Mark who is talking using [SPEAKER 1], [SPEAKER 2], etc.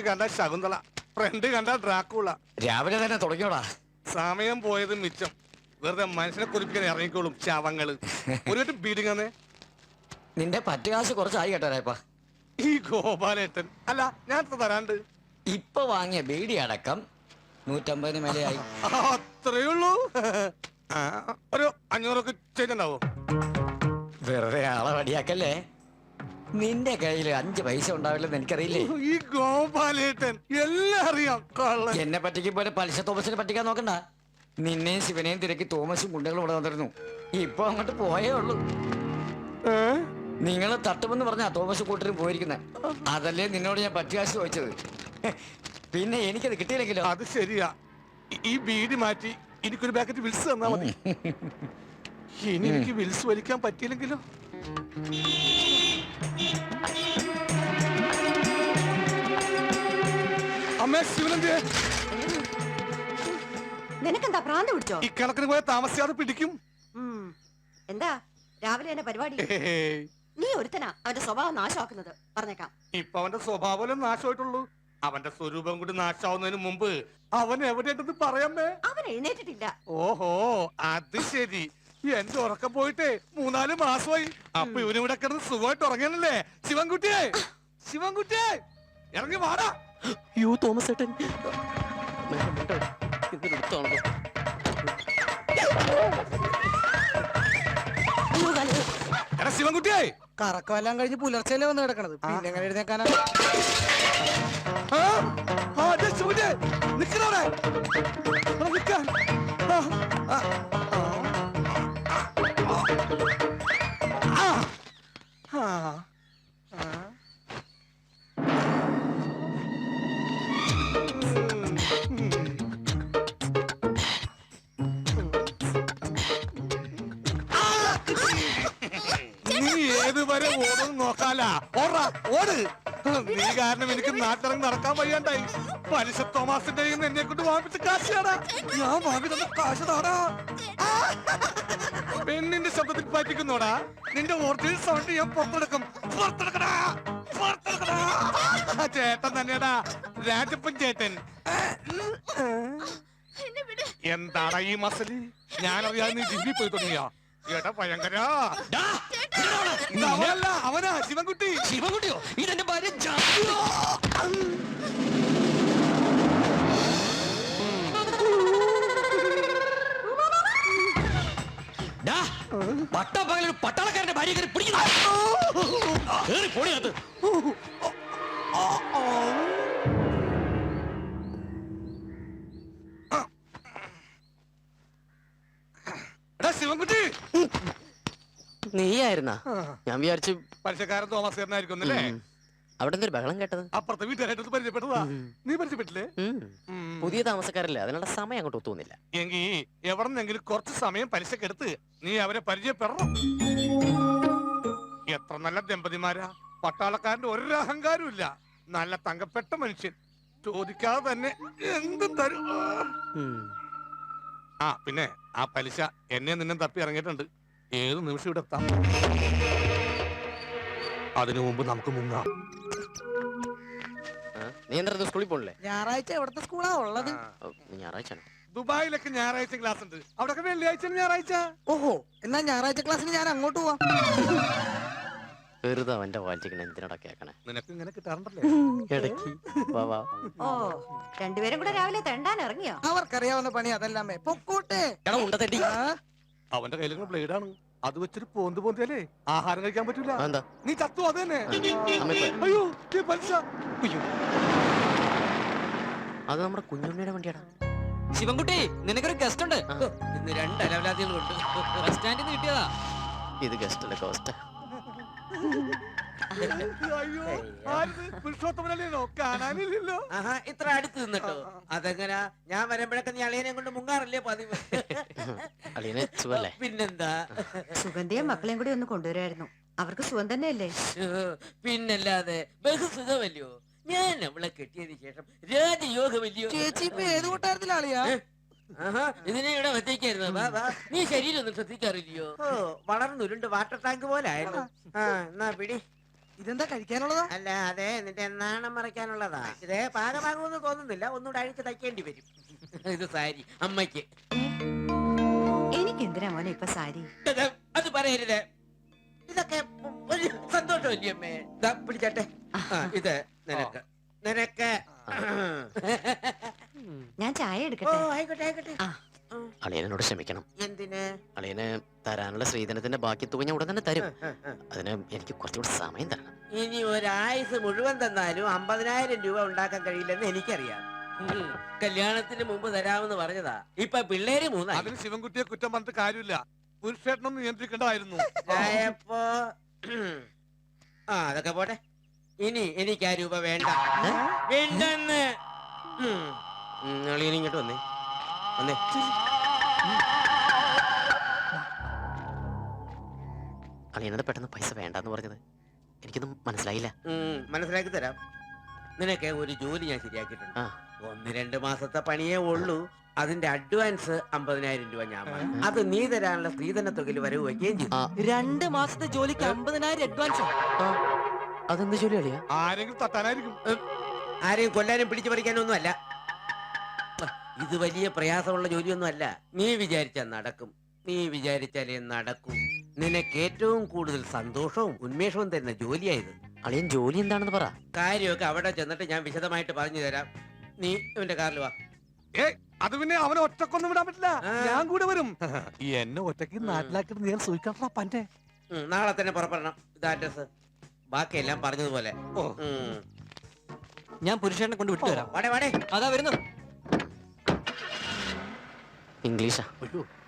[SPEAKER 1] കണ്ട ശകുന്തള, ഫ്രണ്ട് കണ്ട ഡ്രാക്കുള.
[SPEAKER 2] രാവിലെ തന്നെ തുടങ്ങിയോടാ.
[SPEAKER 1] സമയം പോയത് മിച്ചം. വെറുതെ മനുഷ്യനെ കുറിപ്പിക്കാൻ ഇറങ്ങിക്കോളും ശവങ്ങള്. ഒരു ബീഡിങ്ങന്നേ.
[SPEAKER 2] നിന്റെ പറ്റുകാശ് കുറച്ചായി കേട്ടാരായപ്പാ.
[SPEAKER 1] ഈ ഗോപാലേട്ടൻ അല്ല, ഞാൻ തരാണ്ട്.
[SPEAKER 2] ഇപ്പൊ വാങ്ങിയ ബീഡി അടക്കം 150 മേലെയായി.
[SPEAKER 1] അത്രേ ഉള്ളൂ. ഒരു 500 ചെയ്തിട്ടുണ്ടാവോ?
[SPEAKER 2] വെറുതെ ആളെ വടിയാക്കല്ലേ. നിന്റെ കയ്യിൽ 5 പൈസ ഉണ്ടാവില്ലെന്ന് എനിക്കറിയില്ലേ.
[SPEAKER 1] ഈ ഗോപാലേട്ടൻ എല്ലാം അറിയാം.
[SPEAKER 2] എന്നെ പറ്റിക്കും പോലെ പലിശ തോമസിനെ പറ്റിക്കാൻ നോക്കണ്ട. നിന്നെയും ശിവനെയും തിരക്കി തോമസും ഗുണ്ടകളും ഇവിടെ വന്നിരുന്നു. ഇപ്പൊ അങ്ങോട്ട് പോയേ ഉള്ളൂ. നിങ്ങൾ തട്ടുമെന്ന് പറഞ്ഞാ തോമസ് കൂട്ടരും പോയിരിക്കുന്നത്. അതല്ലേ നിന്നോട് ഞാൻ പറ്റുകാശ് ചോദിച്ചത്. പിന്നെ എനിക്കത് കിട്ടിയില്ലെങ്കിലോ?
[SPEAKER 1] അത് ശരിയാ. ഈ ബീഡി മാറ്റി എനിക്കൊരു പാക്കറ്റ് വിൽസ് തന്നാ മതി. ഇനി എനിക്ക് വിൽസ് വലിക്കാൻ പറ്റിയില്ലെങ്കിലോ? അമ്മേ, ശിവനന്ദേ,
[SPEAKER 3] നിനക്കെന്താ ഭ്രാന്ത് പിടിച്ചോ?
[SPEAKER 1] ഈ കണക്കിന് പോയ താമസിയാതെ പിടിക്കും.
[SPEAKER 3] എന്താ രാവിലെ തന്നെ പരിപാടി? നീ ഒരുത്തനാ അവന്റെ സ്വഭാവം നാശമാക്കുന്നത്, പറഞ്ഞേക്കാം.
[SPEAKER 1] ഇപ്പൊ അവന്റെ സ്വഭാവം നാശമായിട്ടുള്ളൂ. അവന്റെ സ്വരൂപം കൂടി നാശാവുന്നതിന് മുമ്പ് അവൻ എവിടെയായിട്ടെന്ന് പറയാമേ.
[SPEAKER 3] അവൻ എഴുന്നേറ്റിട്ടില്ല.
[SPEAKER 1] ഓഹോ, അത് ശരി. എന്റെ ഉറക്കം പോയിട്ടേ 3-4 മാസമായി. അപ്പൊ ഇവനിവിടെ കിടന്ന് സുഖമായിട്ട് ഉറങ്ങാനല്ലേ? ശിവൻകുട്ടിയെ, ശിവൻകുട്ടിയെ, ഇറങ്ങി വാടാ.
[SPEAKER 4] യു തോമസ് ഏട്ടൻ
[SPEAKER 1] എടാ ശിവൻകുട്ടിയെ,
[SPEAKER 4] കറക്കമെല്ലാം കഴിഞ്ഞ് പുലർച്ചെയല്ലേ വന്ന് കിടക്കണത്, പിന്നെ എങ്ങനെ എഴുന്നേക്കാനാ?
[SPEAKER 1] ശിവൻകുട്ടിയെ നിക്കണവിടെ. ഏതുവരെ ഓടും നോക്കാലാ. ഓട്. നീ കാരണം എനിക്ക് നാട്ടിലിറങ്ങി നടക്കാൻ വയ്യാണ്ടായി. പലിശ തോമാസിന്റെ എന്നെ കൊണ്ട് വാങ്ങിച്ച കാശാടാ. ഞാൻ വാങ്ങി തന്ന കാശ് താടാ. പെണ്ണിന്റെ ശബ്ദത്തിൽ പറ്റിക്കുന്നോടാ. നിന്റെ ഒറിജിനൽ സൗണ്ട് ഞാൻ പുറത്തെടുക്കും. ചേട്ടൻ തന്നെയാടാ, രാജപ്പൻ ചേട്ടൻ. എന്താടാ ഈ മസലി? ഞാനറിയാതെ നീ ജിമ്മി പോയി തുടങ്ങിയാ? ഏട്ടാ ഭയങ്കര. അവനാ ശിവൻകുട്ടി.
[SPEAKER 2] ശിവൻകുട്ടിയോ? ഇതെന്റെ ഭാര്യ. പട്ടപ്പകലൊരു പട്ടാളക്കാരന്റെ ഭാര്യ കയറി പിടിക്കുന്നു. പൊടിയകത്ത്
[SPEAKER 1] ശിവൻകുട്ടി,
[SPEAKER 4] നീയായിരുന്നാ? ഞാൻ വിചാരിച്ചു
[SPEAKER 1] പലിശക്കാരൻ തോമസ് ചേട്ടനായിരിക്കും അല്ലേ?
[SPEAKER 4] അവിടെ എന്തൊരു ബഹളം കേട്ടത്?
[SPEAKER 1] അപ്പുറത്തെ വീട്ടുകാരായിട്ട് പരിചയപ്പെട്ടതാ. നീ പരിചയപ്പെട്ടില്ലേ?
[SPEAKER 4] പുതിയ താമസക്കാരല്ലേ, അതിനുള്ള സമയം അങ്ങോട്ട് ഒത്തുന്നില്ല.
[SPEAKER 1] എങ്കി എവിടെന്നെങ്കിലും കുറച്ച് സമയം പലിശക്കെടുത്ത് നീ അവരെ പരിചയപ്പെടണം. എത്ര നല്ല ദമ്പതിമാരാ. പട്ടാളക്കാരന്റെ ഒരു അഹങ്കാരവും ഇല്ല. നല്ല തങ്കപ്പെട്ട മനുഷ്യൻ. ചോദിക്കാതെ തന്നെ എന്തും തരും. പിന്നെ ആ പലിശ എന്നെ നിന്നെ തപ്പി ഇറങ്ങിയിട്ടുണ്ട്. ഏത് നിമിഷം ഇവിടെ എത്താം. അതിനു മുമ്പ് നമുക്ക് മുങ്ങാം.
[SPEAKER 4] നീ എന്താ സ്കൂളിൽ പോണില്ലേ?
[SPEAKER 5] ഞായറാഴ്ച എവിടത്തെ സ്കൂളാ ഉള്ളത്?
[SPEAKER 4] ഞായറാഴ്ച
[SPEAKER 1] ദുബായിലൊക്കെ ഞായറാഴ്ച ക്ലാസ് ഉണ്ട്. അവിടെ വെള്ളിയാഴ്ച ഞായറാഴ്ച.
[SPEAKER 5] ഓഹോ, എന്നാ ഞായറാഴ്ച ക്ലാസ്സിന് ഞാൻ അങ്ങോട്ട് പോവാം.
[SPEAKER 4] വെറുതെ അവന്റെ വായിച്ചിരിക്കണ എന്തിനാ കേക്കണേ?
[SPEAKER 1] നിനക്ക് ഇങ്ങനെ കിട്ടാറുണ്ടല്ലേ
[SPEAKER 4] ഇടയ്ക്ക്?
[SPEAKER 3] ഓ, രണ്ടുപേരും കൂടെ രാവിലെ തെണ്ടാൻ ഇറങ്ങിയോ?
[SPEAKER 5] അവർക്കറിയാവുന്ന പണി അതല്ലാമേ. പൊക്കോട്ടെ.
[SPEAKER 1] അവന്റെ കയ്യിൽ ബ്ലേഡാണ്. അത് വെച്ചൊരു പോന്തിയാലേ ആഹാരം കഴിക്കാൻ പറ്റൂല. നീ ചത്തു. അത് തന്നെ. അയ്യോ, പലിശ.
[SPEAKER 4] അത് നമ്മുടെ കുഞ്ഞുണ്ണിയുടെ വണ്ടിയാടാ.
[SPEAKER 6] ശിവൻകുട്ടി, നിനക്കൊരു ഗസ്റ്റ് ഉണ്ട്. ഇന്ന് 2 അലവലാദികളുണ്ട്. ബസ് സ്റ്റാൻഡിൽ നിന്ന് കിട്ടിയതാ.
[SPEAKER 4] ഇത് ഗസ്റ്റ് അല്ല, കോസ്റ്റ്.
[SPEAKER 1] അയ്യോ, പുരുഷോത്തമനല്ലോ, കാണാനില്ലല്ലോ.
[SPEAKER 6] ഇത്ര അടുത്ത് നിന്നിട്ടോ? അതെങ്ങനാ? ഞാൻ വരുമ്പോഴൊക്കെ നീ അളിയനെ കൊണ്ട് മുങ്ങാറില്ലേ പതിവ്? പിന്നെന്താ?
[SPEAKER 3] സുഗന്ധിയും മക്കളെയും കൂടി ഒന്ന് കൊണ്ടുവരായിരുന്നു. അവർക്ക് സുഖം തന്നെയല്ലേ?
[SPEAKER 6] പിന്നല്ലാതെ ബഹുസുഖമല്ലയോ. ഞാൻ അവളെ കെട്ടിയതിന് ശേഷം രാജയോഗമല്ലയോ.
[SPEAKER 5] ചേച്ചി ഇപ്പൊ ഏത് കൂട്ടാരത്തിലാളിയാ?
[SPEAKER 6] ഇതിനെ ഇവിടെ വെച്ചേക്കായിരുന്നു. നീ ശരീരം ഒന്നും ശ്രദ്ധിക്കാറില്ലയോ? വളർന്നുരുണ്ട് വാട്ടർ ടാങ്ക് പോലെ ആയിരുന്നു. എന്നാ പിടി.
[SPEAKER 5] ഇതെന്താ കഴിക്കാനുള്ളതാ?
[SPEAKER 7] അല്ല അതെ നിന്റെ നാണം മറയ്ക്കാനുള്ളതാ. ഇതേ പാകമാകുമെന്ന് തോന്നുന്നില്ല, ഒന്നുകൂടെ അഴിച്ച് തയ്ക്കേണ്ടി വരും. ഇത് സാരി അമ്മയ്ക്ക്.
[SPEAKER 3] എനിക്ക് എന്തിനാ മോനെ ഇപ്പൊ സാരി?
[SPEAKER 7] അത് പറയരുത്, ഇതൊക്കെ ഒരു സന്തോഷമല്ലേ അമ്മേ. ദാ പിടിച്ചട്ടെ. ഇത് നിനക്ക് നിനക്ക്.
[SPEAKER 3] ഞാൻ ചായ
[SPEAKER 7] ഓ
[SPEAKER 3] എടുക്കട്ടെ?
[SPEAKER 7] ആയിക്കോട്ടെ ആയിക്കോട്ടെ.
[SPEAKER 3] ആ.
[SPEAKER 8] അളിയനോട് ക്ഷമിക്കണം.
[SPEAKER 7] എന്തിന്?
[SPEAKER 8] അളിയന് തരാനുള്ള ശ്രീധനത്തിന്റെ ബാക്കി തുക ഞാൻ ഉടൻ തന്നെ തരും. അതിന് എനിക്ക് കുറച്ചുകൂടി സമയം തരണം.
[SPEAKER 7] ഇനി ഒരായുസ് മുഴുവൻ തന്നാലും 50,000 രൂപ ഉണ്ടാക്കാൻ കഴിയില്ലെന്ന് എനിക്കറിയാം. കല്യാണത്തിന് മുമ്പ് തരാമെന്ന് പറഞ്ഞതാ. ഇപ്പൊ പിള്ളേര് 3
[SPEAKER 1] അതിന് ശിവൻകുട്ടിയെ കുറ്റം പറഞ്ഞിട്ട് കാര്യമില്ല. പുരുഷേട്ടനൊന്നും നിയന്ത്രിക്കേണ്ടതായിരുന്നു.
[SPEAKER 7] ആയപ്പോ അതൊക്കെ പോട്ടെ. ഇനി എനിക്ക് ആ രൂപ വേണ്ട, വേണ്ടെന്ന്.
[SPEAKER 8] അളിയൻ ഇങ്ങോട്ട് വന്നേ വന്നേ. അളിയനോട് പെട്ടെന്ന് പൈസ വേണ്ടെന്ന് പറഞ്ഞത് എനിക്കൊന്നും മനസ്സിലായില്ല.
[SPEAKER 7] മനസ്സിലാക്കി തരാം. നിനക്ക് ഒരു ജോലി ഞാൻ ശരിയാക്കിയിട്ടുണ്ട്.
[SPEAKER 8] ആ.
[SPEAKER 7] 1-2 മാസത്തെ പണിയേ ഉള്ളൂ. അതിന്റെ അഡ്വാൻസ് 50,000 രൂപ ഞാൻ വാങ്ങി. അത് നീ തരാനുള്ള സ്ത്രീധന തുകയിൽ വരവ് വയ്ക്കുകയും ചെയ്തു.
[SPEAKER 5] 2 മാസത്തെ ജോലിക്ക് 50,000 അഡ്വാൻസ്.
[SPEAKER 8] അതെന്ത് ജോലി അളിയാ?
[SPEAKER 1] ആരെങ്കിലും തട്ടാനായിരിക്കും.
[SPEAKER 7] ആരെയും കൊല്ലാനും പിടിച്ചു പറിക്കാനും ഒന്നും അല്ല. ഇത് വലിയ പ്രയാസമുള്ള ജോലിയൊന്നും അല്ല. നീ വിചാരിച്ചാൽ നടക്കും, നീ വിചാരിച്ചാലേ നടക്കൂ. നിനക്ക് ഏറ്റവും കൂടുതൽ സന്തോഷവും ഉന്മേഷവും തരുന്ന ജോലിയായത്.
[SPEAKER 8] അളിയൻ ജോലി എന്താണെന്ന് പറ.
[SPEAKER 7] കാര്യമൊക്കെ അവിടെ ചെന്നിട്ട് ഞാൻ വിശദമായിട്ട് പറഞ്ഞു തരാം. നീ ഇവന്റെ കാറിൽ വാ.
[SPEAKER 1] അത് പിന്നെ അവനെ ഒറ്റക്കൊന്നും വിടാൻ പറ്റില്ല.
[SPEAKER 7] ആ.
[SPEAKER 1] ഞാൻ കൂടെ വരും. എന്നെ ഒറ്റയ്ക്ക് നാട്ടിലാക്കിട്ട് നീ സൂക്ഷിക്കണം പന്റെ.
[SPEAKER 7] നാളെ തന്നെ പുറപ്പെടണം. ഇത് അഡ്രസ്. ബാക്കിയെല്ലാം പറഞ്ഞതുപോലെ.
[SPEAKER 6] ഞാൻ പുരുഷനെ കൊണ്ട് വിട്ടുതരാം.
[SPEAKER 7] വാടേ വാടേ.
[SPEAKER 6] അതാ വരുന്നു.
[SPEAKER 8] ഇംഗ്ലീഷാ.